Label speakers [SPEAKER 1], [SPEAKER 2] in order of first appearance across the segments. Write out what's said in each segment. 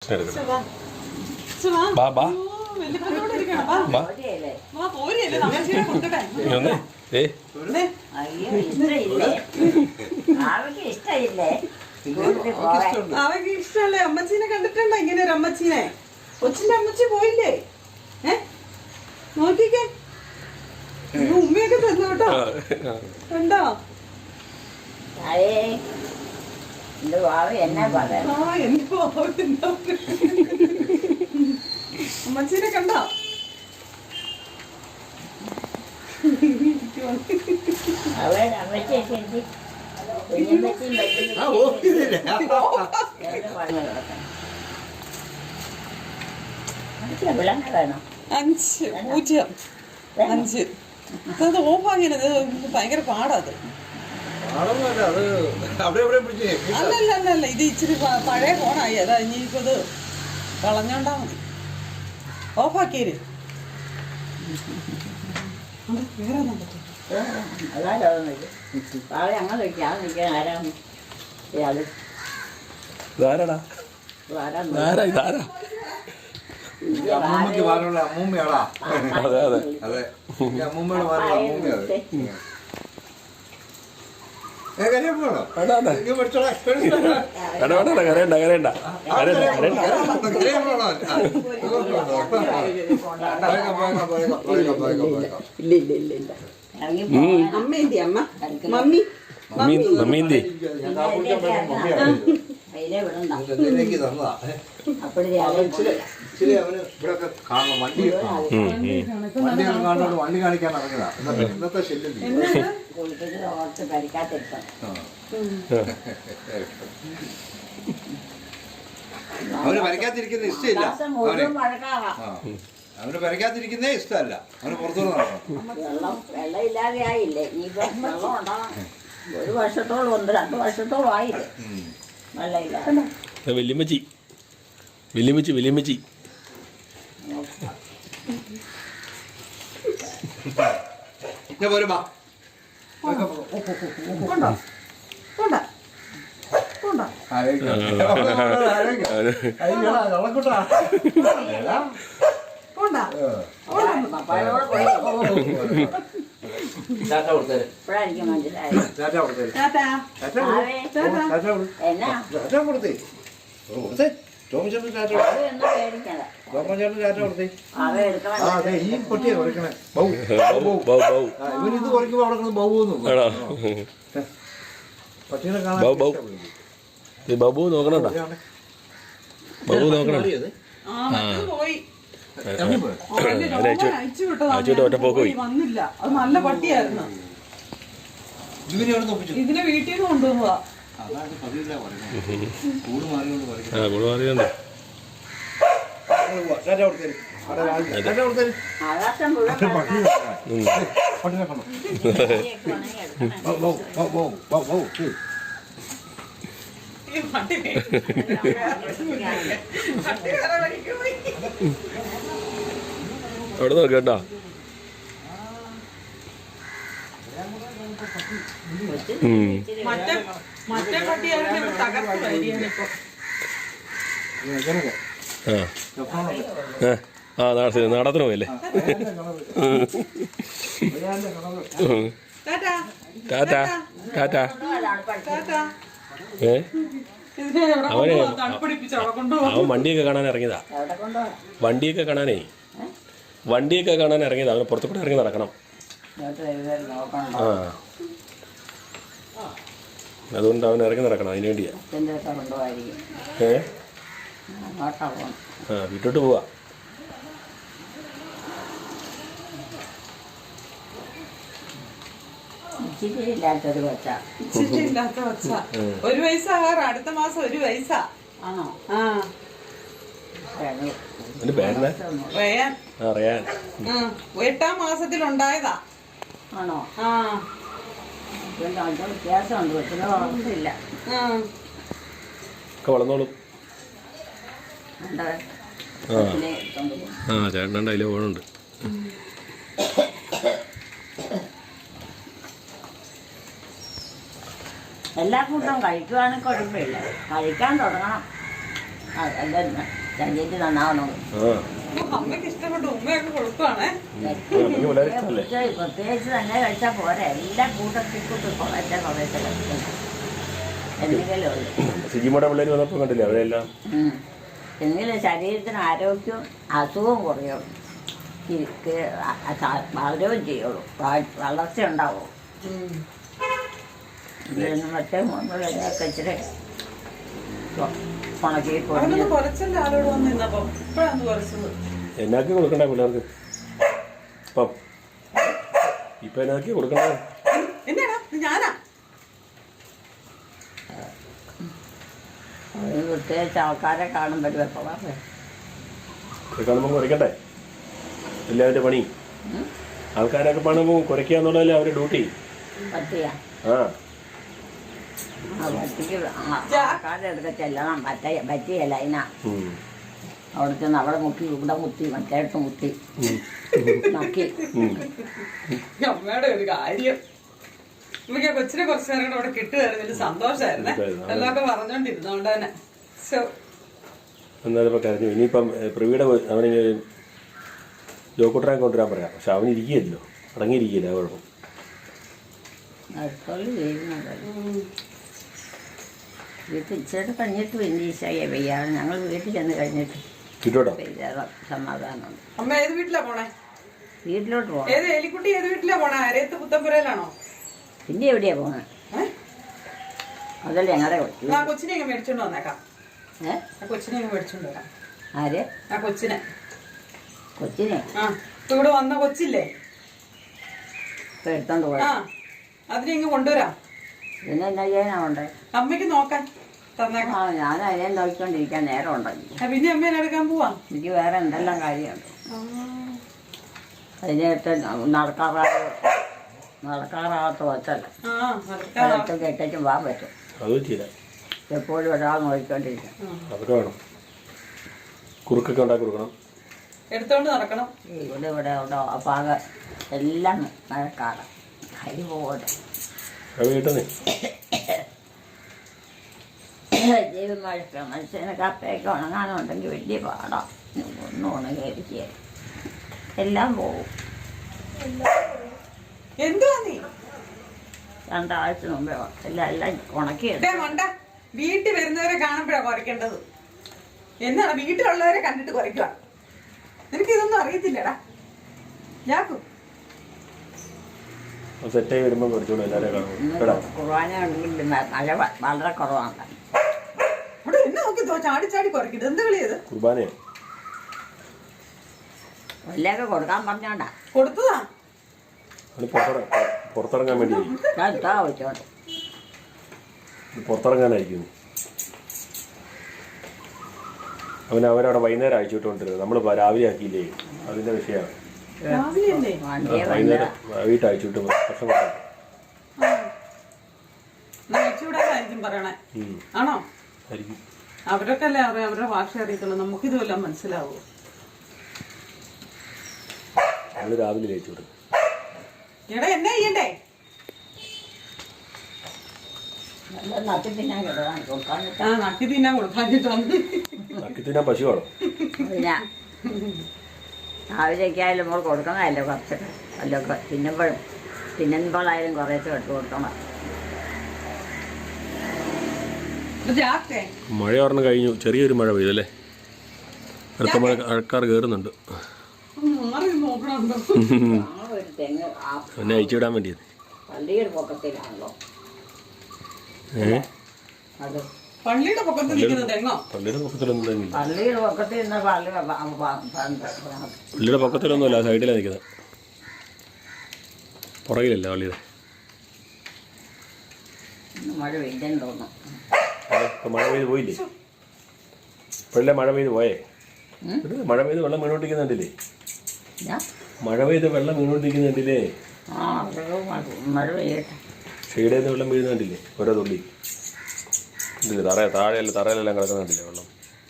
[SPEAKER 1] ബാ ബാ
[SPEAKER 2] അവക്ക് ഇഷ്ടല്ലേ? അമ്മച്ചീനെ കണ്ടിട്ടുണ്ടോ ഇങ്ങനെ ഒരു അമ്മച്ചീനെ? കൊച്ചിന്റെ അമ്മച്ചി പോയില്ലേ? നോക്കിക്കേ, ഉമ്മയൊക്കെ തന്നു കേട്ടോ. കണ്ടോ? അമ്മച്ചീനെ കണ്ടോ? അഞ്ച് അത് ഓഫാക്കിയത് ഭയങ്കര പാടാത്. അല്ലല്ല ഇത് ഇച്ചിരി പഴയ ഫോണായി. അതാ ഇനിയിപ്പോ ഇത് കളഞ്ഞോണ്ടാ മതി. ഓഫാക്കിയത്
[SPEAKER 3] അമ്മൂമ്മക്ക് പാലുള്ള അമ്മൂമ്മയാടാ. അതെ അതെ അതെ, അമ്മൂമ്മയുടെ പാലുള്ള അമ്മൂമ്മയാണ്. ഇച്ചിരി അവന് ഇവിടെയൊക്കെ കാണണം, വണ്ടിയൊക്കെ കാണുന്നോണ്ട് വണ്ടി കാണിക്കാൻ ഇറങ്ങിയതാ. ഇന്നത്തെ ശല്യം അവന് വരയ്ക്കാതിരിക്കുന്ന ഇഷ്ടമില്ല. അവന് വരയ്ക്കാതിരിക്കുന്നേ ഇഷ്ടമല്ല. അവന് പുറത്തുനിന്ന് നടക്കണം.
[SPEAKER 4] വെള്ളം ഇല്ലാതെ ആയില്ലേ? ഇനിയിപ്പോ വെള്ളം ഉണ്ടാകണം. 1 വർഷത്തോളം 2 വർഷത്തോളം ആയില്ലേ വെള്ളം ഇല്ലാതെ.
[SPEAKER 1] വല്യമ്മച്ചി
[SPEAKER 4] ഇപ്പഴായിരിക്കും മനസ്സിലായത്.
[SPEAKER 3] ഈ പൊട്ടിയെ കുറയ്ക്കണേ. ഇവനിത് കുറയ്ക്കുമ്പോ അവിടെ ബൗന്ന് പട്ടീനെ കാണാൻ
[SPEAKER 1] ബാബു നോക്കണോട്ടാ. ബാബു നോക്കണം. ഒറ്റപ്പോക്ക് പോയി.
[SPEAKER 2] വന്നില്ല. അത് നല്ല പട്ടിയായിരുന്നു. ഇതിനെ വീട്ടിൽ നിന്ന് കൊണ്ടുപോവാ.
[SPEAKER 1] കൂട് മാറിയുണ്ട്. അവിടെ നോക്കട്ടോ.
[SPEAKER 2] മറ്റേ പട്ടിയാണെങ്കിൽ തകർത്ത് വരികയാണിപ്പോ.
[SPEAKER 1] നാടത്തിന് പോയല്ലേ. ടാറ്റാ. അവൻ വണ്ടിയൊക്കെ കാണാൻ ഇറങ്ങിയതാ. വണ്ടിയൊക്കെ കാണാൻ ഇറങ്ങിയതാ. അവന് പുറത്തു കൂടെ ഇറങ്ങി നടക്കണം. അതുകൊണ്ട് അവൻ ഇറങ്ങി നടക്കണം. അതിന് വേണ്ടിയാ. വീട്ടോട്ട് പോവാ.
[SPEAKER 4] ഇല്ലാത്തൊരു കൊച്ച.
[SPEAKER 2] 1 വയസ്സാകാറ്. അടുത്ത മാസം 1 വയസ്സാ.
[SPEAKER 4] ആണോ?
[SPEAKER 2] റയാൻ. 8ാം മാസത്തിലുണ്ടായതാ.
[SPEAKER 4] ആണോ? വ്യത്യാസമുണ്ട്. കൊച്ചിനെ വളർന്നില്ല.
[SPEAKER 1] വളർന്നോളും. ചേട്ടനുണ്ട്. അതിലെ ഓണുണ്ട്.
[SPEAKER 4] എല്ലാ ഫുഡും കഴിക്കുവാണെങ്കിൽ കുഴപ്പമില്ല. കഴിക്കാൻ തുടങ്ങണം. അല്ല ശരീരത്തിൽ നന്നാവണം.
[SPEAKER 1] ആ
[SPEAKER 2] അമ്മയ്ക്ക് ഇഷ്ടപ്പെട്ടു. ഉമ്മയൊക്കെ കൊടുക്കുവാണേ.
[SPEAKER 1] അമ്മയ്ക്ക് വളരെ ഇഷ്ടമല്ലേ?
[SPEAKER 4] പ്രത്യേകിച്ച് തന്നെ കഴിച്ചാൽ പോരാ. എല്ലാം കൂട്ടത്തിൽ കുറേശ്ശെ കഴിക്കണം. എന്തെങ്കിലും ഉള്ളു.
[SPEAKER 1] സിജിമോടെ പിള്ളേർ വന്നപ്പോൾ കണ്ടില്ലേ അവരെല്ലാം.
[SPEAKER 4] എങ്കിലും ശരീരത്തിന് ആരോഗ്യവും അസുഖവും കുറയും. വളരുകയും ചെയ്യുള്ളൂ. വളർച്ച ഉണ്ടാവുള്ളൂ. ഇതിന് മറ്റേ മുകളിലൊക്കെ ഇച്ചിരി ഉണക്കി
[SPEAKER 2] അവനൊന്ന് കുറച്ചല്ലേ ആളോട് വന്ന് നിന്നപ്പം. ഇപ്പോഴാണ് കുറച്ചത്.
[SPEAKER 1] എന്നാക്കി കൊടുക്കണ്ടേ പിള്ളേർക്ക് ഇപ്പം? ഇപ്പൊ എന്നാക്കി കൊടുക്കണ്ടേ?
[SPEAKER 2] എന്നാടാ ഞാനാ
[SPEAKER 4] പ്രത്യേകിച്ച് ആൾക്കാരെ കാണുമ്പോൾ വെപ്പളാറ്
[SPEAKER 1] കാണുമ്പോൾ കുറയ്ക്കണ്ടേ? എല്ലാവരുടെ പണി. ആൾക്കാരൊക്കെ കാണുമ്പോൾ കുറയ്ക്കുക എന്നുള്ളതല്ലേ അവരുടെ ഡ്യൂട്ടി.
[SPEAKER 4] പറ്റിയാ
[SPEAKER 1] ആ
[SPEAKER 4] പറ്റിക്ക് ആൾക്കാരുടെ അടുക്ക ചെല്ലണം. പറ്റിയല്ല അതിനാ. അവിടെ ചെന്ന് അവിടെ മുക്കി ഇവിടെ മുത്തി മറ്റേടത്ത് മുത്തി നക്കി.
[SPEAKER 2] അമ്മയുടെ ഒരു കാര്യം. എനിക്ക് കൊച്ചിനെ കുറച്ചു നേരം കൂടെ അവിടെ കിട്ടുമായിരുന്നു. വലിയ സന്തോഷമായിരുന്നേ. എല്ലാമൊക്കെ പറഞ്ഞോണ്ടിരുന്നോണ്ട് തന്നെ.
[SPEAKER 1] എന്നാലും ഇപ്പൊ കരഞ്ഞു. ഇനിയിപ്പം പ്രവീടെ അവന് ജോക്കുട്ടനെ കൊണ്ടുവരാൻ പറയാം. പക്ഷെ അവൻ ഇരിക്കുകയല്ലോ, അടങ്ങിയിരിക്കില്ല. കുഴപ്പം
[SPEAKER 4] വീട്ടിൽ ഇച്ചിരി കഴിഞ്ഞിട്ട് പിന്നെ ഈശായ പെയ്യാണ്. ഞങ്ങൾ വീട്ടിൽ ചെന്ന് കഴിഞ്ഞിട്ട്
[SPEAKER 1] കിട്ടോട്ടോ
[SPEAKER 4] സമാധാനമുണ്ട്.
[SPEAKER 2] അമ്മ ഏത് വീട്ടിലാ പോണേ?
[SPEAKER 4] വീട്ടിലോട്ട് പോകണം.
[SPEAKER 2] ഏത് എലിക്കുട്ടി ഏത് വീട്ടിലാ പോണേ? അരയത്ത് പുത്തമ്പുരയിലാണോ?
[SPEAKER 4] പിന്നെ എവിടെയാ പോണേ? അതല്ലേ ഞങ്ങളുടെ
[SPEAKER 2] ആ കൊച്ചിനെ ഇങ്ങ് മേടിച്ചോണ്ട് വന്നേക്കാം. ആ കൊച്ചിനെ ഇങ്ങ് മേടിച്ചോണ്ട് വരാം.
[SPEAKER 4] ആര്?
[SPEAKER 2] ആ കൊച്ചിനെ.
[SPEAKER 4] കൊച്ചിനെ?
[SPEAKER 2] ആ ഇപ്പൊ ഇവിടെ വന്ന കൊച്ചില്ലേ,
[SPEAKER 4] ഇപ്പൊ എടുത്തോണ്ട്
[SPEAKER 2] ആ
[SPEAKER 4] പോയാ
[SPEAKER 2] അതിനെ ഇങ്ങ് കൊണ്ടുവരാം.
[SPEAKER 4] പിന്നെ എന്നാ ചെയ്യാനുണ്ട്?
[SPEAKER 2] അമ്മയ്ക്ക് നോക്കാൻ തന്നേക്കാം.
[SPEAKER 4] ആ ഞാൻ അതിനെ നോക്കിക്കൊണ്ടിരിക്കാൻ നേരം ഉണ്ടെങ്കിൽ.
[SPEAKER 2] പിന്നെ അമ്മേനെ എടുക്കാൻ പോവാം.
[SPEAKER 4] എനിക്ക് വേറെ എന്തെല്ലാം കാര്യമുണ്ട്. അതിനകത്ത് നടക്കാറാകത്ത വച്ചല്ല. അതൊക്കെ ഇട്ടേച്ചും പോകാൻ പറ്റും. എപ്പോഴും ഒരാൾ നോക്കിക്കൊണ്ടിരിക്കും.
[SPEAKER 1] അതൊക്കെ വേണം. കുറുക്കൊക്കെ ഉണ്ടാക്കി കൊടുക്കണം.
[SPEAKER 2] എടുത്തോണ്ട് നടക്കണം.
[SPEAKER 4] ഇവിടെ ഇവിടെ ഉണ്ടോ അപ്പാക എല്ലാം മഴക്കാലം അരി പോകട്ടെ. ദൈവം മഴക്ക മനുഷ്യന് കപ്പയൊക്കെ ഉണങ്ങാനുണ്ടെങ്കിൽ വലിയ പാടാം. ഒന്നും ഉണങ്ങിയിരിക്കുക എല്ലാം പോകും.
[SPEAKER 2] എന്തുവാ നീ?
[SPEAKER 4] രണ്ടാഴ്ച മുമ്പേ എല്ലാം ഉണക്കിയെടുക്കും.
[SPEAKER 2] മണ്ട വീട്ടിൽ വരുന്നവരെ കാണുമ്പോഴാ കുറയ്ക്കേണ്ടത്. എന്നാണ് വീട്ടിലുള്ളവരെ കണ്ടിട്ട് കുറയ്ക്കുക? നിനക്ക് ഇതൊന്നും അറിയത്തില്ലടാ. ഞാക്കും
[SPEAKER 1] സെറ്റായി വരുമ്പോൾ കുറച്ചുകൂടെ എല്ലാവരും കാണും.
[SPEAKER 4] കുർബാന ഉണ്ടെങ്കിൽ മഴ വളരെ കുറവാണ്.
[SPEAKER 2] അവിടെ എന്നെ നോക്കി ചാടി ചാടി കുറയ്ക്കരുത്. എന്ത് കളിയത്?
[SPEAKER 1] കുർബാനയോ?
[SPEAKER 4] വല്ലതൊക്കെ കൊടുക്കാൻ പറഞ്ഞോണ്ടാ
[SPEAKER 2] കൊടുത്തതാ.
[SPEAKER 1] പുറത്തിറങ്ങാൻ വേണ്ടി
[SPEAKER 4] എടുത്താ വെച്ചോണ്ട്
[SPEAKER 1] പുറത്തിറങ്ങാനായിരിക്കും. അവരവിടെ വൈകുന്നേരം അയച്ചു വിട്ടുകൊണ്ടിരുന്നത്. നമ്മൾ രാവിലെ ആക്കിയില്ലേ, അതിന്റെ വിഷയമാണ്.
[SPEAKER 2] രാവിലെയല്ലേ?
[SPEAKER 1] വൈകുന്നേരം വീട്ടിൽ അയച്ചു വിട്ട് പ്രശ്നം
[SPEAKER 2] അയച്ചുവിടാനായിരിക്കും പറയണേ. ആണോ? അവരൊക്കെ അല്ലേ അവരുടെ ഭാഷ അറിയത്തുള്ളൂ. നമുക്കിതുമെല്ലാം മനസ്സിലാവൂ.
[SPEAKER 1] നമ്മള് രാവിലെ അയച്ചു വിടും.
[SPEAKER 2] എടാ എന്നെ ചെയ്യണ്ടേ?
[SPEAKER 4] നക്കി തിന്നാൻ
[SPEAKER 2] നക്കി തിന്നാൻ കൊടുക്കാഞ്ഞിട്ടാണ്.
[SPEAKER 1] നക്കി തിന്നാൻ പശുവാണോ?
[SPEAKER 4] രാവിലെയൊക്കെ ആയാലും നമ്മൾ കൊടുക്കണമല്ലോ കുറച്ച്. വല്ലതൊക്കെ തിന്നുമ്പോഴായാലും കുറേശ്ശെ എടുത്ത് കൊടുക്കണം.
[SPEAKER 1] മഴ ഓർന്ന് കഴിഞ്ഞു. ചെറിയൊരു മഴ പെയ്തല്ലേ? അടുത്ത മഴക്കാർ കയറുന്നുണ്ട്.
[SPEAKER 4] ഒരു തെങ്ങ്
[SPEAKER 1] എന്നെ അയച്ചുവിടാൻ വേണ്ടിയത്.
[SPEAKER 4] പള്ളിയുടെ പൊക്കത്തിലാണല്ലോ അത്.
[SPEAKER 2] പള്ളിയുടെ പൊക്കത്തിൽ നിൽക്കുന്ന തെങ്ങോ?
[SPEAKER 1] പള്ളിയുടെ പൊക്കത്തിലൊന്നും തെങ്ങില്ല.
[SPEAKER 4] പള്ളിയുടെ പൊക്കത്തിൽ നിന്ന്
[SPEAKER 1] പള്ളിയുടെ പൊക്കത്തിലൊന്നുമല്ല, സൈഡിലാണ് നിൽക്കുന്നത്. പുറകിലല്ല പള്ളിയുടെ.
[SPEAKER 4] മഴ പെയ്തെന്ന് തോന്നുന്നു.
[SPEAKER 1] ഇപ്പം മഴ പെയ്ത് പോയില്ലേ? ഇപ്പോഴല്ലേ മഴ പെയ്ത് പോയേ? മഴ പെയ്ത് വെള്ളം വീണോണ്ടിരിക്കുന്നുണ്ടില്ലേ? മഴ പെയ്ത് വെള്ളം വീണോണ്ടിരിക്കുന്നുണ്ടില്ലേ?
[SPEAKER 4] ആ മഴ പെയ്യട്ടെ.
[SPEAKER 1] ഷെയ്ഡിൽ നിന്ന് വെള്ളം വീഴുന്നുണ്ടില്ലേ? ഓരോ തുള്ളി ഉണ്ടല്ലേ? തറയിലെല്ലാം കിടക്കുന്നുണ്ടില്ലേ വെള്ളം?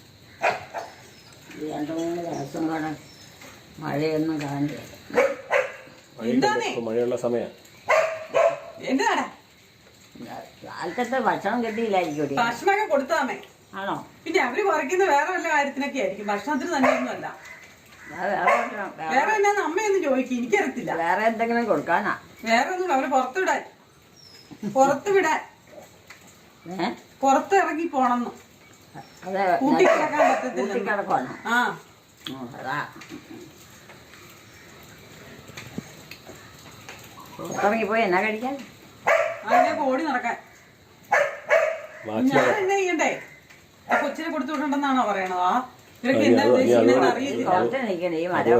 [SPEAKER 4] 2-3 ദിവസം കൂടെ മഴയൊന്നും കാണില്ല.
[SPEAKER 1] മഴയുള്ള സമയം.
[SPEAKER 2] എന്താടാ
[SPEAKER 4] കാലത്തെ ഭക്ഷണം കിട്ടിയില്ലായിരിക്കും.
[SPEAKER 2] ഭക്ഷണമൊക്കെ കൊടുത്താമേ.
[SPEAKER 4] ആണോ?
[SPEAKER 2] പിന്നെ അവര് കുറയ്ക്കുന്ന വേറെ വല്ല കാര്യത്തിനൊക്കെ ആയിരിക്കും, ഭക്ഷണത്തിന് തന്നെയൊന്നുമല്ല.
[SPEAKER 4] വേറെ
[SPEAKER 2] വേറെ എന്നാന്ന് അമ്മയൊന്നും ചോദിക്കും, എനിക്കറിയത്തില്ല.
[SPEAKER 4] വേറെ എന്തെങ്കിലും കൊടുക്കാനാ?
[SPEAKER 2] വേറെ ഒന്നും അവര് പുറത്ത് വിടാൻ, പുറത്ത് ഇറങ്ങി പോണെന്ന്.
[SPEAKER 4] അതെ,
[SPEAKER 2] കൂട്ടിക്കിടക്കാൻ പറ്റത്തില്ല.
[SPEAKER 4] കൂട്ടിക്കിടക്കുവാണോ?
[SPEAKER 2] ആ
[SPEAKER 4] അതാ പുറത്തിറങ്ങിപ്പോയി എന്നാ കഴിക്കാൻ?
[SPEAKER 2] അതിനൊക്കെ ഓടി നടക്കാൻ. ഞാൻ എന്നാ ചെയ്യണ്ടേ? ആ കൊച്ചിനെ കൊടുത്തു വിടണ്ടെന്നാണോ പറയണത്? ആ ഇവരൊക്കെ എന്നാ ഉദ്ദേശിക്കുന്നത് അറിയത്തില്ല.
[SPEAKER 4] പുറത്ത് നിൽക്കണേ, ഈ മരം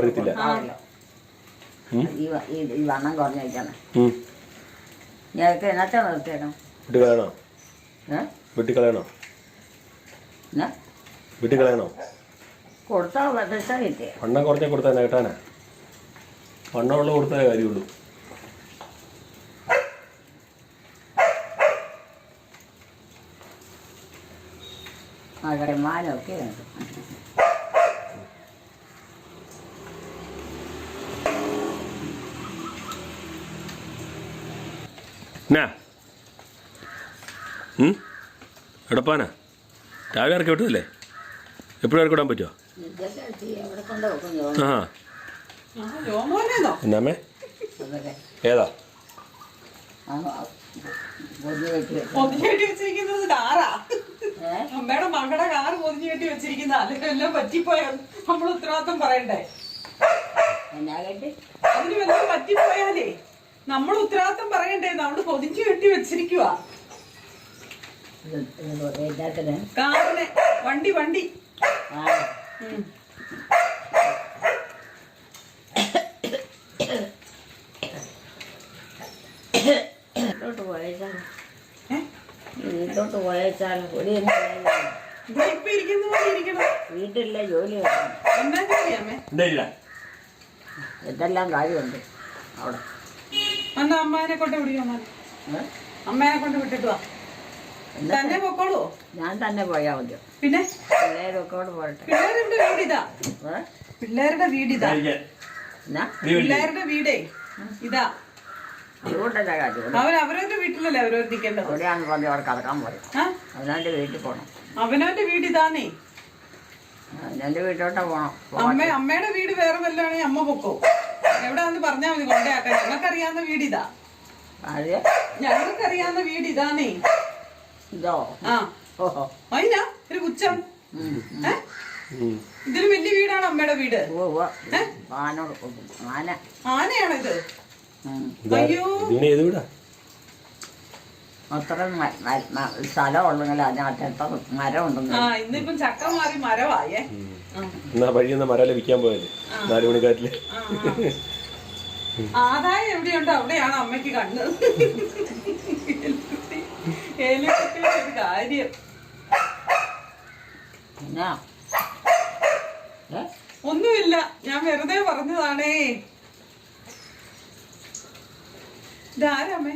[SPEAKER 4] ഈ വണ്ണം കുറഞ്ഞു വയ്ക്കണം. ഞങ്ങൾക്ക് എന്നത്തെ നിർത്തിയേക്കണം?
[SPEAKER 1] വീട്ടിൽ കളയണോ?
[SPEAKER 4] കൊടുത്താൽ പൈസ കിട്ടിയ
[SPEAKER 1] വണ്ണം കുറഞ്ഞ കൊടുത്താൽ കേട്ടാനാ? വണ്ണമുള്ള കൊടുത്താലേ കാര്യമുള്ളൂ.
[SPEAKER 4] മകരന്മാരൊക്കെ ഉണ്ട്.
[SPEAKER 1] എന്നാ എടപ്പാനാ രാവിലെ ഇറക്കി വിട്ടതല്ലേ? എപ്പോഴും ഇറക്കി വിടാൻ പറ്റുമോ?
[SPEAKER 4] എവിടെ കൊണ്ട് വെക്കും?
[SPEAKER 1] എന്നാമേ ഏതാ?
[SPEAKER 2] പൊതിഞ്ഞു കെട്ടി വെച്ചിരിക്കുന്നത് കാറാ. അമ്മയുടെ മകളുടെ കാറ് പൊതിഞ്ഞു കെട്ടി വെച്ചിരിക്കുന്ന, അല്ലെങ്കിൽ എല്ലാം പറ്റിപ്പോയ നമ്മൾ ഉത്തരവാദിത്വം പറയണ്ടേ? അതിന് വല്ലതും പറ്റിപ്പോയാലേ നമ്മൾ ഉത്തരവാദിത്വം പറയണ്ടേ? നമ്മള് പൊതിഞ്ഞു കെട്ടി വെച്ചിരിക്കുവാ കാറിനെ. വണ്ടി
[SPEAKER 4] വീട്ടിലോട്ട് പോയച്ചാൽ
[SPEAKER 2] ഇപ്പൊ ഇരിക്കുന്ന പോലെ ഇരിക്കണം.
[SPEAKER 4] വീട്ടിലെ ജോലി
[SPEAKER 2] എന്നാ ജോലിയാമേ?
[SPEAKER 4] എന്തെല്ലാം കാര്യമുണ്ട് അവിടെ.
[SPEAKER 2] എന്നാ അമ്മേനെ കൊണ്ട് വിളിക്കാം. അമ്മേനെ കൊണ്ട് വിട്ടിട്ട് വാ. തന്നെ പൊക്കോളൂ.
[SPEAKER 4] ഞാൻ തന്നെ പോയാ മതിയോ?
[SPEAKER 2] പിന്നെ
[SPEAKER 4] പിള്ളേരൊക്കെ പോരട്ടെ.
[SPEAKER 2] പിള്ളേരുടെ വീടിതാ. പിള്ളേരുടെ വീടേ ഇതാ.
[SPEAKER 4] അതുകൊണ്ടല്ല കാര്യം.
[SPEAKER 2] അവരവരുടെ വീട്ടിലല്ലേ അവരവർ നിൽക്കേണ്ടത്.
[SPEAKER 4] എവിടെയാന്ന് പറഞ്ഞ് അവിടെ കിടക്കാൻ പറയും. അവനവന്റെ വീട്ടിൽ പോണം.
[SPEAKER 2] അവനവന്റെ വീടിതാന്നേ.
[SPEAKER 4] അവനവന്റെ വീട്ടിലോട്ടാ പോണം.
[SPEAKER 2] അമ്മയുടെ വീട് വേറെ വല്ലതാണെങ്കിൽ അമ്മ പൊക്കോ. എവിടാന്ന് പറഞ്ഞാ മതി കൊണ്ടേയാക്കാൻ. ഞങ്ങൾക്കറിയാവുന്ന വീടിതാ. ഞങ്ങൾക്കറിയാവുന്ന വീട് ഇതാന്നേ.
[SPEAKER 4] ഇതോ?
[SPEAKER 2] ആ അതിനാ ഒരു പുച്ഛം. ഇതൊരു വലിയ വീടാണ് അമ്മയുടെ വീട്. ആനയാണോ ഇത്? അയ്യോ
[SPEAKER 4] അത്ര സ്ഥലം ഉണ്ടെങ്കിൽ അതിനകത്ത് എത്ര മരം ഉണ്ടെങ്കിൽ.
[SPEAKER 2] ആ ഇന്നിപ്പം ചക്ക മാറി മരവായേ.
[SPEAKER 1] വഴിയെന്ന മരം വിൽക്കാൻ പോയല്ലേ 4 മണിക്കാറ്റില്.
[SPEAKER 2] ആദായം എവിടെയുണ്ടോ അവിടെയാണ് അമ്മയ്ക്ക് കണ്ണ്. ഒരു കാര്യം ഒന്നുമില്ല, ഞാൻ വെറുതെ പറഞ്ഞതാണേ. ഇതാരമ്മേ?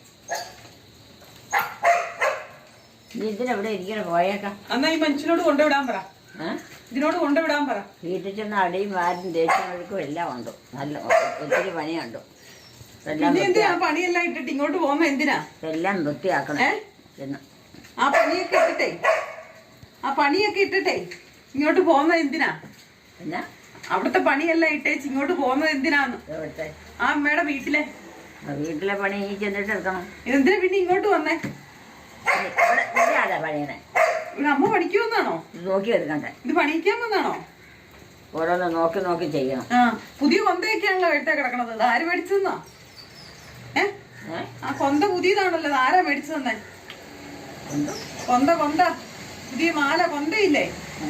[SPEAKER 4] ഇതിനെവിടെ ഇരിക്കണം? പോയേക്കാം.
[SPEAKER 2] എന്നാ ഈ മനുഷ്യനോട് കൊണ്ടുവിടാൻ പറ. ഇതിനോട് കൊണ്ടുവിടാൻ പറ.
[SPEAKER 4] വീട്ടിൽ ചെന്ന് അടിയും വാരും ദേഷ്യം ഒഴുക്കും എല്ലാം ഉണ്ട്. നല്ല ഒത്തിരി പണിയുണ്ട്.
[SPEAKER 2] എന്തിനാ പണിയെല്ലാം ഇട്ടിട്ട് ഇങ്ങോട്ട് പോകുന്ന? എന്തിനാ
[SPEAKER 4] എല്ലാം വൃത്തിയാക്കണം.
[SPEAKER 2] ആ പണിയൊക്കെ ഇട്ടിട്ടേ ഇങ്ങോട്ട് പോകുന്നത് എന്തിനാ?
[SPEAKER 4] പിന്നെ
[SPEAKER 2] അവിടുത്തെ പണിയെല്ലാം ഇട്ടേച്ച് ഇങ്ങോട്ട് പോകുന്നത് എന്തിനാന്ന്? ആ അമ്മയുടെ വീട്ടിലെ
[SPEAKER 4] പണി ഈ ചെന്നിട്ട് എടുക്കണം.
[SPEAKER 2] എന്തിനാ പിന്നെ ഇങ്ങോട്ട് വന്നേ?
[SPEAKER 4] പണിയണേ
[SPEAKER 2] ഇവിടെ അമ്മ പണിക്കുമെന്നാണോ?
[SPEAKER 4] നോക്കി എടുക്കണ്ടേ?
[SPEAKER 2] ഇത് പണിക്കാൻ വന്നാണോ?
[SPEAKER 4] ഓരോന്ന് നോക്കി നോക്കി ചെയ്യണം.
[SPEAKER 2] ആ പുതിയ കൊന്തയൊക്കെയാണല്ലോ എടുത്തേ കിടക്കണത്. ആര് മേടിച്ചെന്നാ? ആ കൊന്ത പുതിയതാണല്ലോ. ആരാ മേടിച്ചു തന്നെ? കൊന്ത പുതിയ മാല കൊന്തയില്ലേ?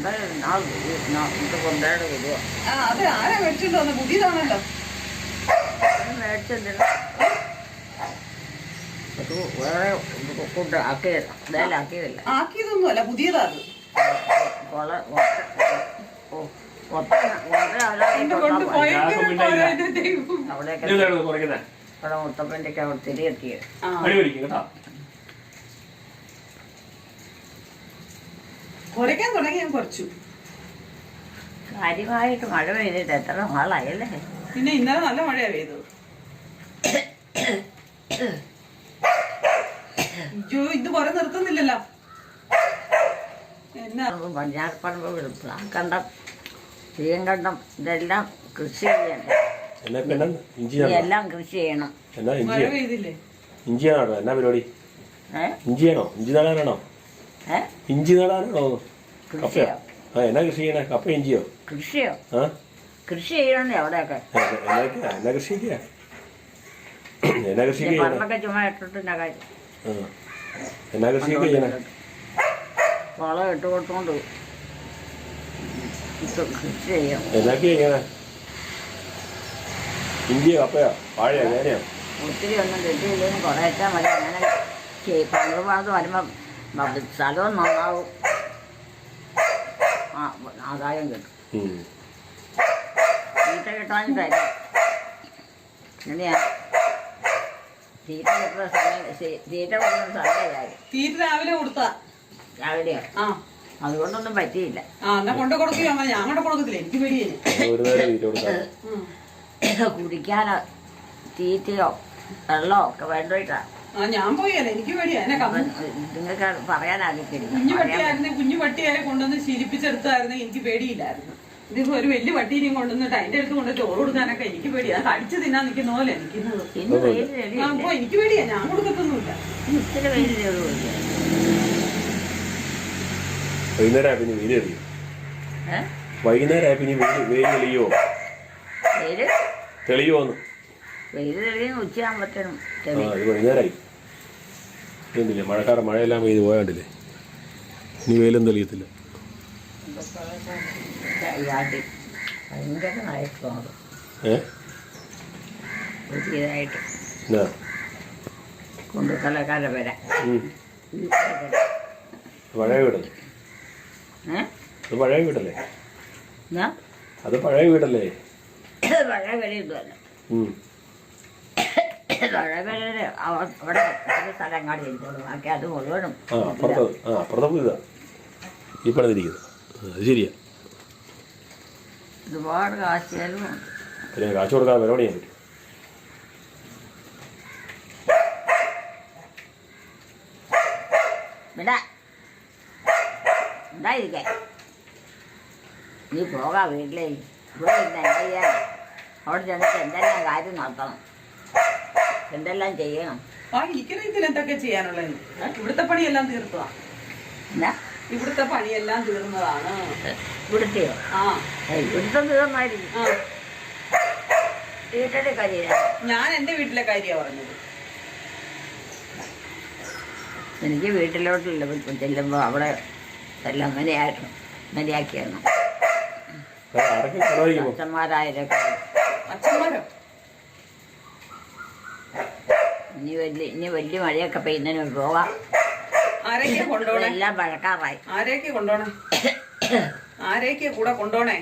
[SPEAKER 2] ആ അത് ആരാ മേടിച്ചോണ്ട് വന്നത്? പുതിയതാണല്ലോ. ആക്കിയതൊന്നും അല്ല, പുതിയതാ അത്.
[SPEAKER 4] അവിടെ മുത്തപ്പൻ്റെ അവിടെ തിരിയെത്തിയത്.
[SPEAKER 2] കുറയ്ക്കാൻ തുടങ്ങി ഞാൻ കുറച്ചു.
[SPEAKER 4] കാര്യമായിട്ട് മഴ പെയ്തിട്ട് എത്ര നാളായല്ലേ?
[SPEAKER 2] പിന്നെ ഇന്നലെ നല്ല മഴയാ പെയ്തത്. അയ്യോ ഇത് കുറെ നിർത്തുന്നില്ലല്ലോ. എന്നാ
[SPEAKER 4] പടിഞ്ഞാറപ്പറമ്പ് കണ്ടം ചീങ്കണ്ടം ഇതെല്ലാം കൃഷി ചെയ്യണ്ടേ.
[SPEAKER 1] എന്നാ ഇപ്പൊ എന്നാ ഇഞ്ചി നടാ?
[SPEAKER 4] ഇതെല്ലാം കൃഷി ചെയ്യണം.
[SPEAKER 1] എന്നാ
[SPEAKER 2] മഴ
[SPEAKER 1] ഇഞ്ചിയാ?
[SPEAKER 2] പെയ്തില്ലേ?
[SPEAKER 1] ഇഞ്ചിയാണോ എന്നാ പരിപാടി? ഇഞ്ചിയാണോ? ഇഞ്ചി നടാനാണോ? ഇഞ്ചി നടാനാണോ? കപ്പയോ?
[SPEAKER 4] കൃഷിയോ?
[SPEAKER 1] എന്നാ കൃഷി ചെയ്യണേ? കപ്പ ഇഞ്ചിയോ?
[SPEAKER 4] കൃഷിയോ?
[SPEAKER 1] ആ
[SPEAKER 4] കൃഷി ചെയ്യണേ അവിടെയൊക്കെ.
[SPEAKER 1] എന്നാ കൃഷിക്കാ? എന്നാ കൃഷിക്ക് ചെയ്യണേ?
[SPEAKER 4] പറമ്പൊക്കെ ചുമ്മാ ഇട്ടിട്ടില്ല കാര്യം.
[SPEAKER 1] എന്നാ കൃഷിയൊക്കെ ചെയ്യണേ?
[SPEAKER 4] വളം ഇട്ട് കൊടുത്തോണ്ട് കൃഷി ചെയ്യും.
[SPEAKER 1] എന്നൊക്കെയാ ചെയ്യണേ? ഇഞ്ചിയോ കപ്പയോ വാഴയോ ചേനയോ?
[SPEAKER 4] ഒത്തിരി ഒന്നും കിട്ടിയില്ലെങ്കിൽ കുറേച്ചാൽ മതി. അങ്ങനെ പണ്ടുപാട് വരുമ്പം സ്ഥലവും നന്നാവും, ആദായം കിട്ടും. തീറ്റ കിട്ടാനിട്ടല്ല. എങ്ങനെയാ തീറ്റ കിട്ടുന്ന സമയം? തീറ്റ കൊടുക്കുന്ന സമയമായി.
[SPEAKER 2] തീറ്റ രാവിലെ കൊടുത്താ
[SPEAKER 4] രാവിലെയോ?
[SPEAKER 2] ആ
[SPEAKER 4] അതുകൊണ്ടൊന്നും പറ്റിയില്ല.
[SPEAKER 2] എന്നാ കൊണ്ട് കൊടുക്കുകയോ? അങ്ങനെ ഞാൻ കൊണ്ട് കൊടുക്കത്തില്ല, എനിക്ക് പേടിയേ.
[SPEAKER 1] ഒരു നേരം വീട്ടിൽ കൊടുക്കാം.
[SPEAKER 4] കുടിക്കാനോ തീറ്റയോ വെള്ളമോ ഒക്കെ വേണ്ടിട്ടാ.
[SPEAKER 2] ഞാൻ പോയല്ലേ, എനിക്ക് പേടിയാ. എന്നെ
[SPEAKER 4] നിങ്ങൾക്ക് പറയാനാകത്തില്ല.
[SPEAKER 2] കുഞ്ഞു പട്ടിയായി കൊണ്ടുവന്ന് ശീലിപ്പിച്ചെടുത്തായിരുന്നു, എനിക്ക് പേടിയില്ലായിരുന്നു. ഇതിപ്പോ ഒരു വലിയ പട്ടീനെയും കൊണ്ടുവന്നിട്ട് അതിന്റെ അടുത്ത് കൊണ്ട് ചോറ് കൊടുക്കാനൊക്കെ എനിക്ക് പേടിയാ. കടിച്ചു തിന്നാൻ നിൽക്കുന്ന പോലെ എനിക്കുന്നത്. അപ്പൊ എനിക്ക് പേടിയാ, ഞാൻ കൊടുക്കത്തൊന്നുമില്ല.
[SPEAKER 4] ഇത്തിരി വെയിലുള്ളൂ.
[SPEAKER 1] വൈകുന്നേരം പിന്നെ വെയിൽ തെളിയോ? വൈകുന്നേരം പിന്നെ വെയിൽ തെളിയോ?
[SPEAKER 4] വെയില്
[SPEAKER 1] തെളിയോന്ന്?
[SPEAKER 4] വെയില് തെളിയുന്ന ഉച്ചയാകുമ്പോഴത്തേനും
[SPEAKER 1] അത് വൈകുന്നേരമായി. എന്തില്ലേ മഴയെല്ലാം പെയ്ത് പോയാണ്ടില്ലേ? ഇനി വെയിലും തെളിയത്തില്ല.
[SPEAKER 4] ഭയങ്കര നായകമാണ് പുതിയതായിട്ട് കൊണ്ടുക്കലക്കാരെ വരാം.
[SPEAKER 1] പഴയ വീടല്ലേ? അത് പഴയ വീടല്ലേ? അത് പഴയ വീടല്ലേ?
[SPEAKER 4] പഴയ വീടൊന്നുമല്ല. പഴയ വീട് അവിടെ ഒരു സ്ഥലം അങ്ങാടി ഇരിക്കുള്ളൂ. ബാക്കി അത് മുഴുവനും
[SPEAKER 1] അപ്പുറത്തെ പുതിയതാ ഈ പണിതിരിക്കുന്നത്. അത് ശരിയാ.
[SPEAKER 4] ഒരുപാട് കാശ് ചെലവും.
[SPEAKER 1] പിന്നെ കാശ് കൊടുക്കാൻ വില പണിയാൻ പറ്റും.
[SPEAKER 4] ഉണ്ടായിരിക്കേ നീ പോകാം വീട്ടിലേ. ഇവിടെ ഇന്ന് എന്താ ചെയ്യാൻ? അവിടെ ചെന്നിട്ട് എന്തെല്ലാം കാര്യം നടത്തണം, എന്തെല്ലാം ചെയ്യണം.
[SPEAKER 2] എനിക്കറിയത്തില്ല എന്തൊക്കെ ചെയ്യാനുള്ളത്. ഇവിടുത്തെ പണിയെല്ലാം തീർത്തതാ.
[SPEAKER 4] എന്നാ
[SPEAKER 2] ഇവിടുത്തെ പണിയെല്ലാം തീർന്നതാണ്.
[SPEAKER 4] ഇവിടുത്തെയോ? ഇവിടുത്തെ തീർന്നായിരിക്കും. വീട്ടിലെ കാര്യം
[SPEAKER 2] ഞാൻ എന്റെ വീട്ടിലെ കാര്യമാണ് പറഞ്ഞത്.
[SPEAKER 4] എനിക്ക് വീട്ടിലോട്ടില്ല ചെല്ലുമ്പോൾ അവിടെ എല്ലാം അങ്ങനെയാക്കിയാണ്. അച്ഛന്മാരായതൊക്കെ
[SPEAKER 2] അച്ഛന്മാരോ?
[SPEAKER 4] ഇനി വലിയ മഴയൊക്കെ പെയ്യുന്നതിന് പോകാം.
[SPEAKER 2] ആരൊക്കെ കൊണ്ടോണേ?
[SPEAKER 4] എല്ലാം മഴക്കാറായി.
[SPEAKER 2] ആരൊക്കെ കൊണ്ടോണേ? ആരൊക്കെ കൂടെ കൊണ്ടോണേ?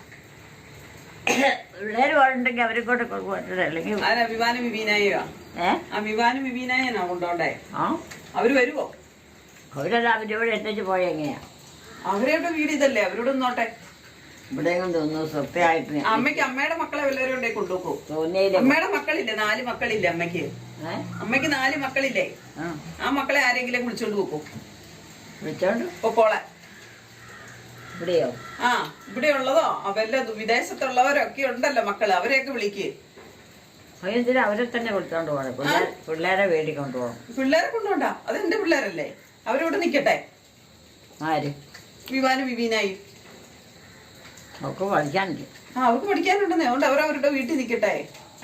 [SPEAKER 4] പിള്ളേര് പോയിട്ടുണ്ടെങ്കിൽ അവരെ കൊണ്ട് കൊടുക്കട്ടെ. അല്ലെങ്കിൽ
[SPEAKER 2] വിവാനും വിവീനായോ? ആ വിവാനും വിവീനായനാ കൊണ്ടോണ്ടേ? അവര് വരുവോ?
[SPEAKER 4] അവരെല്ലാം അവരോട് എത്തിച്ച് പോയ എങ്ങനെയാ?
[SPEAKER 2] അവരുടെ വീട് ഇതല്ലേ, അവരോട് നോട്ടെ.
[SPEAKER 4] ഇവിടെയും തോന്നുന്നു സ്വപ്നമായിട്ട്.
[SPEAKER 2] അമ്മയ്ക്ക് അമ്മയുടെ മക്കളെ വല്ലവരും ഉണ്ടെ കൊണ്ടുപോക്കോ?
[SPEAKER 4] തോന്നിയില്ല.
[SPEAKER 2] അമ്മയുടെ മക്കളില്ലേ? 4 മക്കളില്ലേ അമ്മയ്ക്ക്? അമ്മയ്ക്ക് 4 മക്കളില്ലേ? ആ മക്കളെ ആരെങ്കിലും വിളിച്ചോണ്ട് പോക്കോ?
[SPEAKER 4] വിളിച്ചോണ്ട്
[SPEAKER 2] പൊക്കോളെ.
[SPEAKER 4] ഇവിടെയോ?
[SPEAKER 2] ആ ഇവിടെ ഉള്ളതോ വല്ല വിദേശത്തുള്ളവരൊക്കെ ഉണ്ടല്ലോ മക്കള്, അവരെയൊക്കെ വിളിക്ക്.
[SPEAKER 4] എന്തിനാ അവരെ തന്നെ വിളിച്ചോണ്ട് പോകണം? പിള്ളേരെ വീട്ടിൽ കൊണ്ടുപോകണം.
[SPEAKER 2] പിള്ളേരെ കൊണ്ടുപോണ്ടാ, അത് എന്റെ പിള്ളേരല്ലേ, അവരിവിടെ നിക്കട്ടെ.
[SPEAKER 4] ആര്?
[SPEAKER 2] വിവാനും വിവീനായി.
[SPEAKER 4] അവർക്ക് പഠിക്കാനില്ല.
[SPEAKER 2] അവർക്ക് പഠിക്കാനുണ്ടെന്നേ, അതുകൊണ്ട് അവരവരുടെ വീട്ടിൽ നിക്കട്ടെ.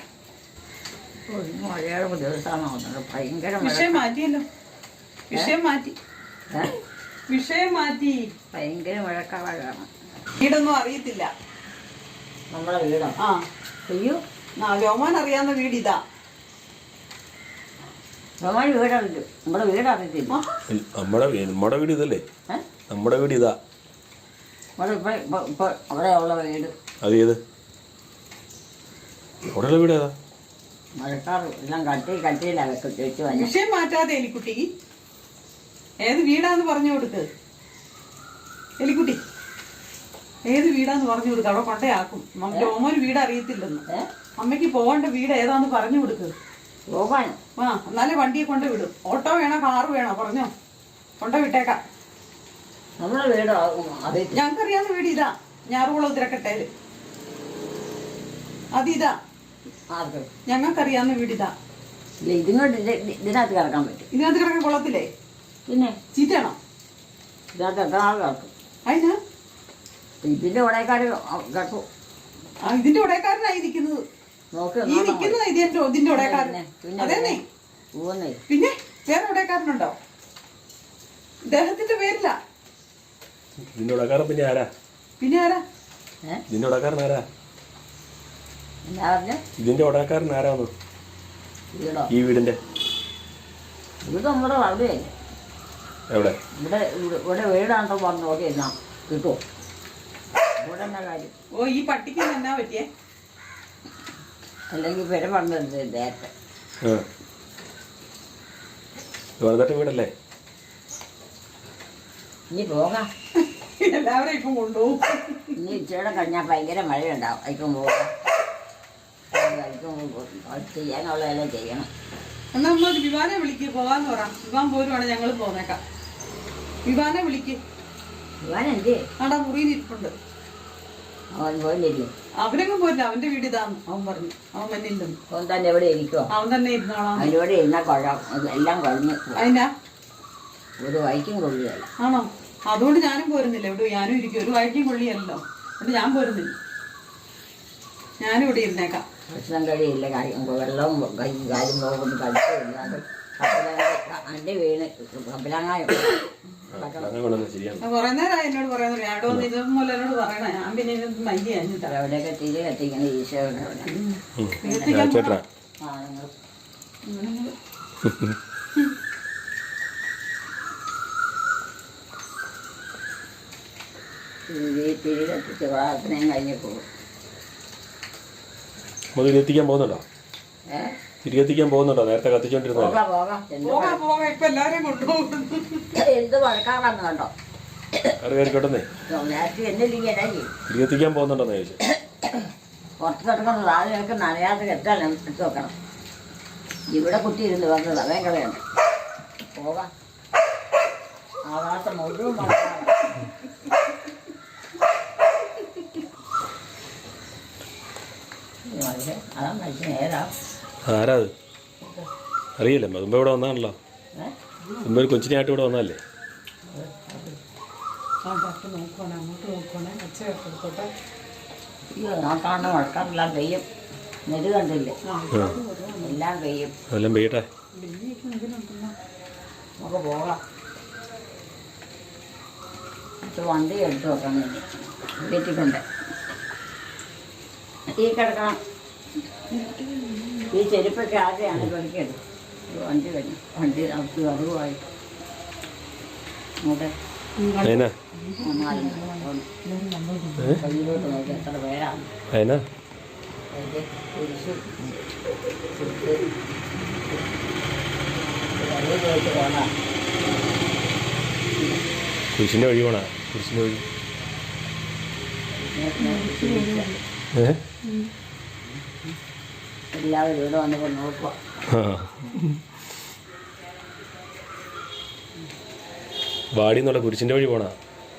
[SPEAKER 4] മഴയുടെ ദിവസമാണ് ഭയങ്കര.
[SPEAKER 2] വിഷയം മാറ്റിയല്ലോ, വിഷയം മാറ്റി. വിഷയം മാറ്റി.
[SPEAKER 4] ഭയങ്കര മഴക്കാലാണ്.
[SPEAKER 2] വീടൊന്നും അറിയത്തില്ല.
[SPEAKER 4] നമ്മളെ വീടോ? അയ്യോ
[SPEAKER 2] രോമാൻ അറിയാവുന്ന വീട് ഇതാ.
[SPEAKER 4] രോമാൻ വീടറിഞ്ഞു. നമ്മുടെ വീട് അറിയത്തില്ല.
[SPEAKER 1] നമ്മുടെ വീട് ഇതല്ലേ? നമ്മുടെ വീട് ഇതാ.
[SPEAKER 4] അവിടെ ഉള്ള വീട്
[SPEAKER 1] അത് ഏത്? അവിടെയുള്ള വീട് ഏതാ?
[SPEAKER 4] മഴക്കാർ എല്ലാം കട്ടിയിലാണ് വെച്ച് വന്നു.
[SPEAKER 2] വിഷയം മാറ്റാതെ എലിക്കുട്ടി, ഏത് വീടാന്ന് പറഞ്ഞു കൊടുക്ക്. എലിക്കുട്ടി ഏത് വീടാന്ന് പറഞ്ഞു കൊടുക്ക്, അവിടെ കൊണ്ടയാക്കും. രോമോന് വീട് അറിയത്തില്ലെന്ന്. അമ്മയ്ക്ക് പോകേണ്ട വീട് ഏതാന്ന് പറഞ്ഞു കൊടുക്ക്.
[SPEAKER 4] പോകാനോ?
[SPEAKER 2] എന്നാലേ വണ്ടിയെ കൊണ്ട് വിടും. ഓട്ടോ വേണോ കാറ് വേണോ പറഞ്ഞോ, കൊണ്ട് വിട്ടേക്കാം.
[SPEAKER 4] നമ്മളെ വീട് അറിയത്തില്ല.
[SPEAKER 2] ഞങ്ങൾക്കറിയാവുന്ന വീട് ഇതാ, ഞാറുകുളം തിരക്കട്ടേല്. അതിതാ
[SPEAKER 4] ആർക്ക്?
[SPEAKER 2] ഞങ്ങൾക്കറിയാവുന്ന വീട് ഇതാ.
[SPEAKER 4] ഇല്ല, ഇതിനകത്ത് കിടക്കാൻ പറ്റും.
[SPEAKER 2] ഇതിനകത്ത് കിടക്കാൻ കൊള്ളത്തില്ലേ?
[SPEAKER 4] പിന്നെ
[SPEAKER 2] ചീത്തയാണോ?
[SPEAKER 4] ഇതിനകത്ത് എത്ര ആൾ കിടക്കും?
[SPEAKER 2] അതിനാ
[SPEAKER 4] ഇതിന്റെ ഉടയക്കാർ കിടക്കും.
[SPEAKER 2] ഇതിന്റെ ഉടയക്കാരനായി നിൽക്കുന്നത്.
[SPEAKER 4] നോക്കി
[SPEAKER 2] ഈ നിൽക്കുന്നത് ഇതിന്റെ ഉടയക്കാരൻ. അതേന്നേ.
[SPEAKER 4] ഊന്നേ.
[SPEAKER 2] പിന്നെ വേറെ ഉടയക്കാരനുണ്ടോ? ഇദ്ദേഹത്തിന്റെ പേരില്ല.
[SPEAKER 1] ഇതിന്റെ ഉടക്കാരൻ പിന്നെ ആരാ?
[SPEAKER 2] പിന്നെ ആരാ?
[SPEAKER 1] ഇതിന്റെ ഉടക്കാരൻ ആരാ?
[SPEAKER 4] എന്താ പറഞ്ഞ?
[SPEAKER 1] ഇതിന്റെ ഉടക്കാരൻ ആരാന്ന്?
[SPEAKER 4] വീടോ?
[SPEAKER 1] ഈ വീടിന്റെ
[SPEAKER 4] ഇത് നമ്മുടെ അവിടെയല്ലേ.
[SPEAKER 1] എവിടെ?
[SPEAKER 4] ഇവിടെ വീടാണെന്ന് പറഞ്ഞു നോക്കിയിരുന്നാ കിട്ടുമോ? ഇവിടെ എന്നാ കാര്യം?
[SPEAKER 2] ഓ, ഈ പട്ടിക്ക് എന്നാ പറ്റിയേ?
[SPEAKER 4] അല്ലെങ്കിൽ പേര് പറഞ്ഞത് നേരത്തെ.
[SPEAKER 1] വെറുതെ വീടല്ലേ?
[SPEAKER 4] ഇനി പോകാം.
[SPEAKER 2] എല്ലാവരും ഇപ്പം കൊണ്ടുപോകും.
[SPEAKER 4] ഇനി ഇച്ചിരി കഴിഞ്ഞാൽ ഭയങ്കര മഴയുണ്ടാവും. അയക്കും പോകാം. ചെയ്യാനുള്ളതെല്ലാം ചെയ്യണം.
[SPEAKER 2] എന്നാ നമ്മൾ വിവാനെ വിളിക്ക്, പോകാന്ന് പറ. വിവാൻ പോരുവാണ്, ഞങ്ങൾ പോന്നേക്കാം. വിവാനെ വിളിക്ക്.
[SPEAKER 4] വിവാൻ എന്ത്?
[SPEAKER 2] ആടാ മുറിയിൽ ഇരിപ്പുണ്ട്.
[SPEAKER 4] അവൻ പോയില്ലേ?
[SPEAKER 2] അവനങ്ങും പോരില്ല, അവന്റെ വീട് ഇതാന്ന് അവൻ പറഞ്ഞു. അവൻ മഞ്ഞില്ലെന്ന്.
[SPEAKER 4] അവൻ തന്നെ എവിടെ ഇരിക്കുവോ?
[SPEAKER 2] അവൻ തന്നെ ഇരുന്നോളാം.
[SPEAKER 4] അതിലൂടെ ഇരുന്നാൽ എല്ലാം കഴിഞ്ഞ്
[SPEAKER 2] അതിനാ
[SPEAKER 4] ഒരു വൈക്കും കൊള്ളുകയല്ല.
[SPEAKER 2] ആണോ? അതുകൊണ്ട് ഞാനും പോരുന്നില്ല. ഇവിടെ ഞാനും ഇരിക്കും. ഒരു വഴിക്കും കൊള്ളിയല്ലോ. അതുകൊണ്ട് ഞാൻ പോരുന്നില്ല. ഞാനും ഇവിടെ ഇരുന്നേക്കാം.
[SPEAKER 4] ഭക്ഷണം കഴിയില്ല, വെള്ളവും കാര്യം പോകുന്നു കഴിച്ചില്ല. എൻ്റെ വീണ് കപ്പിലാങ്ങായ
[SPEAKER 2] കുറെ നേരമായി എന്നോട് പറയുന്നത്. അവിടെ വന്ന് ഇത് മൂലം എന്നോട് പറയണ. ഞാൻ പിന്നെ ഇത് മയ്യ കഴിഞ്ഞിട്ടാ.
[SPEAKER 4] എവിടെയൊക്കെ തിരി കത്തിക്കുന്ന ഈശോയുടെ ആണുങ്ങൾ. തിരി കത്തിച്ച് പ്രാർത്ഥനയും കഴിഞ്ഞ് പോകും.
[SPEAKER 1] തിരികെത്തിക്കാൻ പോകുന്നുണ്ടോ? തിരികെത്തിക്കാൻ പോകുന്നുണ്ടോ? നേരത്തെ കത്തിച്ചോണ്ടിരുന്നോ?
[SPEAKER 2] പോകാം. ഇപ്പൊ എല്ലാരെയും കൊണ്ടുപോകും.
[SPEAKER 4] എന്ത് വഴക്കാറാന്ന് കണ്ടോ?
[SPEAKER 1] കയറിക്കോട്ടെ.
[SPEAKER 4] നേരത്തെ എന്നില്ലെങ്കിൽ
[SPEAKER 1] തിരികെത്തിക്കാൻ പോകുന്നുണ്ടോന്ന് ചോദിച്ചു.
[SPEAKER 4] പുറത്ത് കിടക്കുന്ന സാധനങ്ങൾക്ക് നനയാതെ കെട്ടാൻ എടുത്ത് വെക്കണം. ഇവിടെ കുത്തിയിരുന്ന് വന്നത് അവൻ കളയുണ്ട്. പോകാം. ആകാശം മുഴുവൻ വഴക്കാറാണ്. അതാ മനുഷ്യൻ ഏതാ?
[SPEAKER 1] ആരാ അത്? അറിയില്ല. മുമ്പ് ഇവിടെ വന്നാണല്ലോ. മുമ്പ് ഒരു കൊച്ചിനായിട്ട് ഇവിടെ വന്നല്ലേ?
[SPEAKER 4] അയ്യോ, നോക്കാണ്ട് മഴക്കാറെല്ലാം പെയ്യും. നെരു കണ്ടില്ലേ? എല്ലാം പെയ്യും.
[SPEAKER 1] അതെല്ലാം പെയ്യട്ടെ.
[SPEAKER 4] നമുക്ക് പോകാം. വണ്ടി എടുത്ത് വെക്കണം. ഇനി വീട്ടിട്ടുണ്ട്. ഈ കിടക്കണം. ഈ ചെരുപ്പൊക്കെ ആദ്യമാണ് പഠിക്കേണ്ടത്. വണ്ടി കഴിഞ്ഞു. വണ്ടി നമുക്ക് അറിവായി അങ്ങോട്ടെ കയ്യിലോട്ട് നോക്കി എത്ര പേരാണ്.
[SPEAKER 1] കുരിശിന്റെ വഴി പോണ. കുരിശിന്റെ വഴി
[SPEAKER 4] എല്ലാവരും ഇവിടെ വന്നപ്പോൾ നോക്കുക.
[SPEAKER 1] വാടിന്നുള്ള കുരിശിന്റെ വഴി പോണ.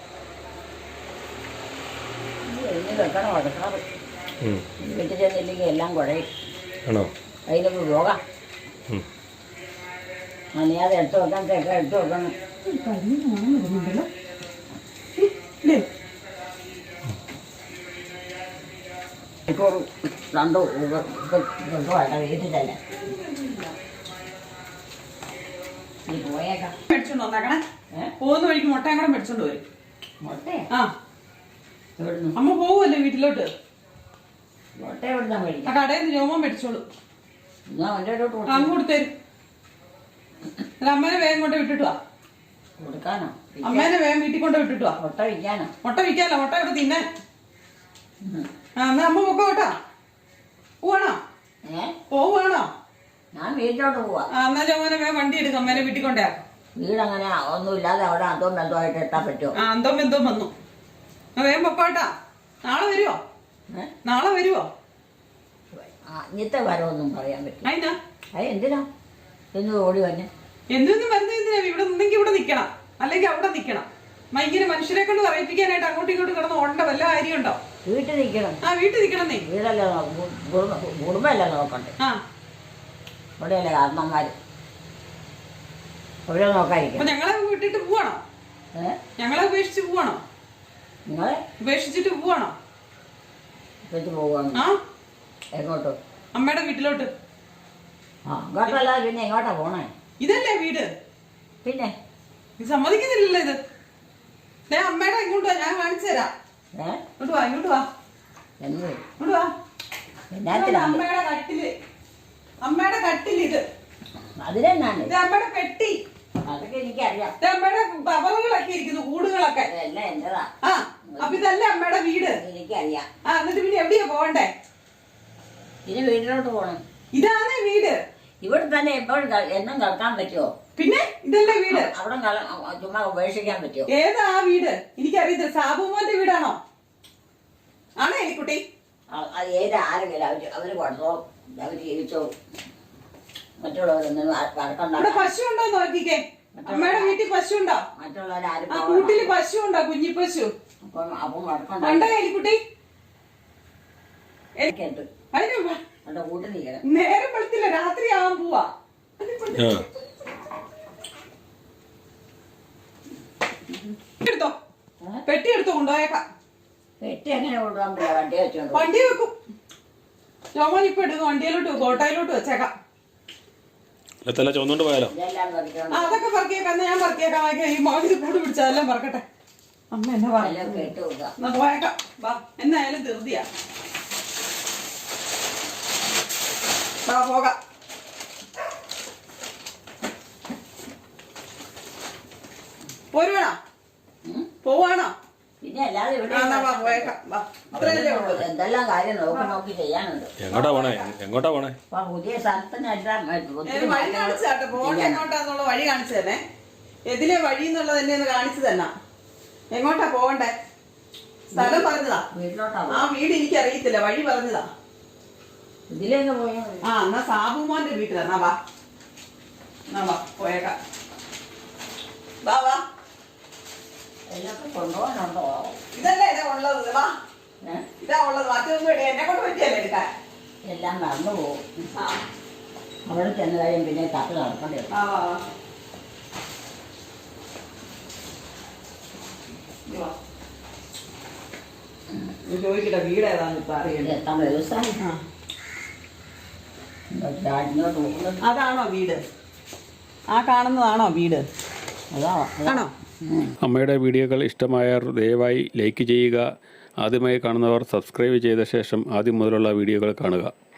[SPEAKER 4] വെക്കണം വഴക്കാറ്. വീട്ടിൽ ചെന്നില്ലെങ്കിൽ എല്ലാം കുഴയും.
[SPEAKER 1] ആണോ?
[SPEAKER 4] അതിനൊക്കെ പോകാം. നനയാതെ എടുത്ത് വെക്കാൻ തേക്കാൻ എടുത്ത് വെക്കണം. ഇപ്പോൾ രണ്ടു വീട്ടിൽ തന്നെ നീ പോയേക്കാം.
[SPEAKER 2] മേടിച്ചോണ്ട് വന്നേക്കണേ. പോകുന്ന വഴിക്ക് മുട്ടയും കൂടെ മേടിച്ചോണ്ട് വരും.
[SPEAKER 4] മുട്ടയോ?
[SPEAKER 2] ആ, അമ്മ പോവുമല്ലേ വീട്ടിലോട്ട്.
[SPEAKER 4] മുട്ട എവിടുന്നാ
[SPEAKER 2] ആ
[SPEAKER 4] മേടിക്കാം?
[SPEAKER 2] കടയിൽ നിന്ന് രോമം മേടിച്ചോളൂ. അങ്ങോട്ട് തരും. അമ്മേനെ വേഗം കൊണ്ട് വിട്ടിട്ട് വാ.
[SPEAKER 4] കൊടുക്കാനോ?
[SPEAKER 2] അമ്മേനെ വേഗം വീട്ടിൽ കൊണ്ട് വിട്ടിട്ട് വാ.
[SPEAKER 4] മുട്ട വിൽക്കാനോ?
[SPEAKER 2] മുട്ട വിൽക്കാനല്ല, മുട്ട ഇവിടെ തിന്നാൻ. ആ, എന്നാ അമ്മ പൊക്കോ കേട്ടോ. പോവാണോ? പോവുകയാണോ?
[SPEAKER 4] ഞാൻ വീട്ടിലോട്ട് പോവാ.
[SPEAKER 2] ആ, എന്നാ ചോമനെ വേഗം വണ്ടി എടുക്കും. അമ്മേനെ വീട്ടിൽ കൊണ്ടേക്കാം.
[SPEAKER 4] വീടങ്ങനെ ഒന്നുമില്ലാതെ അവിടെ അതോ ബന്ധമായിട്ട് എത്താൻ പറ്റുമോ?
[SPEAKER 2] ആ, എന്തോ ബന്ധവും വന്നു. വേഗം പൊക്കോട്ടാ. നാളെ വരുവോ? നാളെ വരുവോ?
[SPEAKER 4] ഇന്നത്തെ വരവൊന്നും പറയാൻ പറ്റും.
[SPEAKER 2] അതിനാ?
[SPEAKER 4] എന്തിനാ എന്ന് ഓടി വന്നെ?
[SPEAKER 2] എന്തൊന്നും വരുന്ന എന്തിനാ? ഇവിടെ നിന്നെങ്കിൽ ഇവിടെ നിക്കണം, അല്ലെങ്കിൽ അവിടെ നിക്കണം. ഇങ്ങനെ മനുഷ്യരെ കൊണ്ട് പറയിപ്പിക്കാനായിട്ട് അങ്ങോട്ടും ഇങ്ങോട്ടും കിടന്ന് ഓടേണ്ട വല്ല കാര്യമുണ്ടോ?
[SPEAKER 4] വീട്ടിൽ നിൽക്കണം.
[SPEAKER 2] ആ വീട്ടിൽ നിൽക്കണമെന്നേ.
[SPEAKER 4] വീടല്ലേ കുടുംബമല്ലേ നോക്കണ്ടേ?
[SPEAKER 2] ആ
[SPEAKER 4] ഇവിടെയല്ലേ കാരണന്മാർ. ഇവിടെ നോക്കാതിരിക്കും.
[SPEAKER 2] അപ്പൊ ഞങ്ങളെ വിട്ടിട്ട് പോവാണോ? ഞങ്ങളെ ഉപേക്ഷിച്ച് പോവാണോ?
[SPEAKER 4] നിങ്ങളെ
[SPEAKER 2] ഉപേക്ഷിച്ചിട്ട് പോവാണോ?
[SPEAKER 4] വെച്ച് പോവാണ്.
[SPEAKER 2] ആ
[SPEAKER 4] എങ്ങോട്ട്?
[SPEAKER 2] അമ്മയുടെ വീട്ടിലോട്ട്.
[SPEAKER 4] ആ അങ്ങോട്ടല്ലാതെ പിന്നെ എങ്ങോട്ടാ പോണേ?
[SPEAKER 2] ഇതല്ലേ വീട്?
[SPEAKER 4] പിന്നെ
[SPEAKER 2] ഇത് സമ്മതിക്കുന്നില്ലല്ലോ ഇത്. അമ്മയുടെ ഇങ്ങോട്ട് ഞാൻ കാണിച്ചു തരാം. ഇങ്ങോട്ട് വാ, ഇങ്ങോട്ട് വാ,
[SPEAKER 4] എന്ത്
[SPEAKER 2] ഇങ്ങോട്ട് വാ. അമ്മയുടെ കട്ടില്, അമ്മയുടെ കട്ടില് ഇത്.
[SPEAKER 4] അതിലെന്നാണ്?
[SPEAKER 2] ഇത് അമ്മയുടെ പെട്ടി.
[SPEAKER 4] അതൊക്കെ എനിക്കറിയാം.
[SPEAKER 2] ഇത് അമ്മയുടെ കവറുകളൊക്കെ ഇരിക്കുന്നു, കൂടുകളൊക്കെ.
[SPEAKER 4] ഇതെല്ലാം എന്റേതാ.
[SPEAKER 2] ആ അപ്പൊ ഇതല്ലേ അമ്മയുടെ വീട്?
[SPEAKER 4] എനിക്കറിയാം.
[SPEAKER 2] ആ എന്നിട്ട് പിന്നെ എവിടെയാ പോകണ്ടേ?
[SPEAKER 4] ഇനി വീട്ടിലോട്ട് പോണം.
[SPEAKER 2] ഇതാണേ വീട്.
[SPEAKER 4] ഇവിടെ തന്നെ എപ്പോഴും എന്നും കിടക്കാൻ പറ്റുമോ?
[SPEAKER 2] പിന്നെ ഇതല്ലേ വീട്?
[SPEAKER 4] അവിടെ ചുമ്മാ ഉപേക്ഷിക്കാൻ പറ്റുമോ?
[SPEAKER 2] ഏതാ ആ വീട്? എനിക്കറിയത്തില്ല. സാബുമോന്റെ വീടാണോ? ആണോ എലിക്കുട്ടി?
[SPEAKER 4] അത് ഏത് ആരെങ്കിലും അവര് കൊടുത്തോളും, അവര് ജീവിച്ചോളും. മറ്റുള്ളവരൊന്നും വഴക്കണ്ട.
[SPEAKER 2] ഇവിടെ പശു ഉണ്ടോ നോക്കിക്കേ. അമ്മയുടെ വീട്ടിൽ പശു ഉണ്ടോ?
[SPEAKER 4] മറ്റുള്ളവരാരും
[SPEAKER 2] ആ കൂട്ടില് പശു ഉണ്ടോ? കുഞ്ഞി പശു
[SPEAKER 4] അപ്പം വഴക്കണ്ട.
[SPEAKER 2] ഉണ്ടോ എലിക്കുട്ടി?
[SPEAKER 4] കേട്ടു
[SPEAKER 2] അതിന്
[SPEAKER 4] എന്റെ കൂട്ടിൽ നിൽക്കണം.
[SPEAKER 2] നേരം വെളുത്തില്ല, രാത്രി ആവാൻ പോവാ. എടുത്തോ, പെട്ടി എടുത്തോ, കൊണ്ടുപോയേക്കാം.
[SPEAKER 4] പെട്ടി എങ്ങനെ കൊണ്ടുപോകാൻ പറ്റില്ല? വണ്ടി വെച്ചോണ്ട്
[SPEAKER 2] വണ്ടി വെക്കും. ജോമോൻ ഇപ്പൊ എടുക്കും, വണ്ടിയിലോട്ട് വെക്കും, ഓട്ടോയിലോട്ട് വെച്ചേക്കാം.
[SPEAKER 1] ചോന്നുകൊണ്ട് പോയാലോ?
[SPEAKER 4] ഇതെല്ലാം പറിച്ചോണ്ട്
[SPEAKER 2] അതൊക്കെ പറക്കിയേക്കാം. എന്നാ ഞാൻ പറക്കിയേക്കാം. ഈ മോഹിത് കൂട് പിടിച്ചാൽ എല്ലാം പറക്കട്ടെ. അമ്മ എന്നാ
[SPEAKER 4] എല്ലാം കേട്ട് കൊടുക്കാം.
[SPEAKER 2] എന്നാ പോയേക്കാം. വാ, എന്നായാലും ധൃതിയാ. വാ പോകാം. പോരുവാണോ? പോവാണോ?
[SPEAKER 4] പിന്നെ അല്ലാതെ ഇവിടെ
[SPEAKER 2] പോയേക്കാം. വാ, അത്രയല്ലേ ഉള്ളൂ.
[SPEAKER 4] എന്തെല്ലാം കാര്യം നോക്കി ചെയ്യാനുണ്ട്.
[SPEAKER 1] എങ്ങോട്ടാ പോണേ? എങ്ങോട്ടാ പോണേ?
[SPEAKER 4] അപ്പൊ പുതിയ സ്ഥലത്തിനെല്ലാം
[SPEAKER 2] വഴി കാണിച്ചു തരട്ടെ. പോകണ്ട എങ്ങോട്ടാന്നുള്ള വഴി കാണിച്ചു തന്നെ. എതിലെ വഴി എന്നുള്ളത് എന്നെ ഒന്ന് കാണിച്ചു തന്നെ. എങ്ങോട്ടാ പോകണ്ടേ? സ്ഥലം പറഞ്ഞതാ.
[SPEAKER 4] വീട്ടിലോട്ടാ.
[SPEAKER 2] ആ വീട് എനിക്ക് അറിയത്തില്ല, വഴി പറഞ്ഞതാ.
[SPEAKER 4] ഇതിലേക്ക് പോയാ
[SPEAKER 2] ആ എന്നാ സാബുമോന്റെ വീട്ടിലാ. എന്നാ വാ, എന്നാ വാ, പോയേക്കാം. വാ വാ.
[SPEAKER 4] എല്ലാം കൊണ്ടുപോകാനുണ്ടോ?
[SPEAKER 2] ഇതല്ലേ ഇതാ ഉള്ളത്. വാ, ഇതാ ഉള്ളത്. മറ്റൊന്നും ഇട എന്നെ കൊണ്ട് പറ്റിയല്ലേ എടുക്കാൻ.
[SPEAKER 4] എല്ലാം മറന്നു പോകും.
[SPEAKER 2] ആ
[SPEAKER 4] അവിടെ ചെന്ന് കഴിയും പിന്നെ തട്ട് നടക്കേണ്ടി വരും.
[SPEAKER 2] ആ വാ വാ. ചോദിക്കട്ടെ വീട് ഏതാന്ന് ഇപ്പൊ അറിയണ്ടേ?
[SPEAKER 4] എത്താൻ വ്യവസായം ഇങ്ങോട്ട് പോകുന്നത്.
[SPEAKER 2] അതാണോ വീട്? ആ കാണുന്നതാണോ വീട്? ആണോ?
[SPEAKER 1] അമ്മയുടെ വീഡിയോകൾ ഇഷ്ടമായവർ ദയവായി ലൈക്ക് ചെയ്യുക. ആദ്യമായി കാണുന്നവർ സബ്സ്ക്രൈബ് ചെയ്ത ശേഷം ആദ്യം മുതലുള്ള വീഡിയോകൾ കാണുക.